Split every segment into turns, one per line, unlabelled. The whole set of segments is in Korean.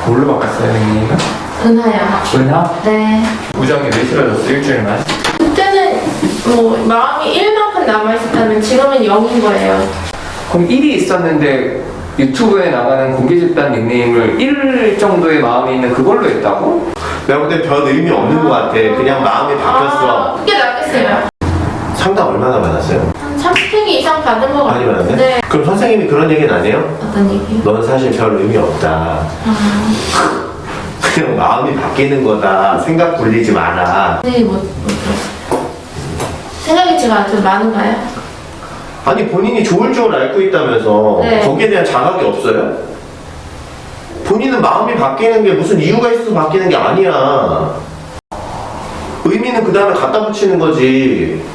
뭘로 바꿨어요, 닉네임은?
은하요.
은하?
네.
우정이 왜 싫어졌어, 일주일만?
그때는 뭐 마음이 1만큼 남아있었다면 지금은 0인 거예요.
그럼 1이 있었는데 유튜브에 나가는 공개 집단 닉네임을 1 정도의 마음이 있는 그걸로 했다고?
내가 볼 땐 별 의미 없는 것 같아. 그냥 마음이 바뀌었어.
그게 낫겠어요.
상담 얼마나 받았어요?
한 30회 이상 받은 것
많이
같아요.
받았네?
네.
그럼 선생님이 그런 얘기는 안 해요?
어떤 얘기요?
넌 사실 별 의미 없다. 그냥 마음이 바뀌는 거다. 생각 굴리지 마라.
네, 못 들었어요. 생각이 제가 좀 많은가요?
아니 본인이 좋을 줄 알고 있다면서
네.
거기에 대한 자각이 없어요? 본인은 마음이 바뀌는 게 무슨 이유가 있어서 바뀌는 게 아니야. 의미는 그 다음에 갖다 붙이는 거지.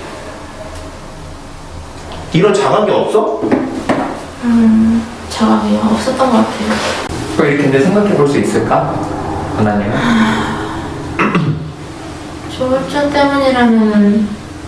이런 자각이 없어?
자각이 없었던 것 같아요.
그럼 이렇게 이제 생각해 볼 수 있을까? 하나님은?
조울증 때문이라면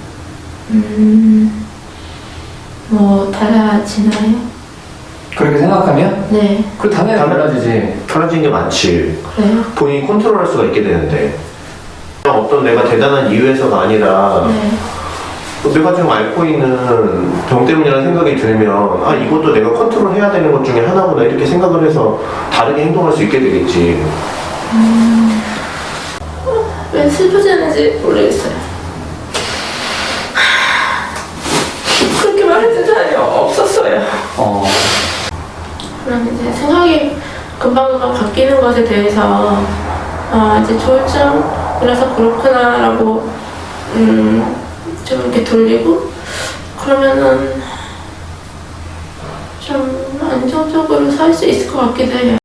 뭐 달라지나요?
그렇게 생각하면?
네,
그 당연히 달라지지.
사라진 게 많지.
그래요?
본인이 컨트롤할 수가 있게 되는데 어떤 내가 대단한 이유에서가 아니라
네.
내가 지금 앓고 있는 병 때문이라는 생각이 들면 아 이것도 내가 컨트롤해야 되는 것 중에 하나구나 이렇게 생각을 해서 다르게 행동할 수 있게 되겠지.
왜 슬퍼지는지 모르겠어요. 그렇게 말해준 사람이 없었어요. 그럼 이제 생각이 금방금방 바뀌는 것에 대해서 이제 조울증이라서 그렇구나라고 좀 이렇게 돌리고 그러면은 좀 안정적으로 살 수 있을 것 같기도 해요.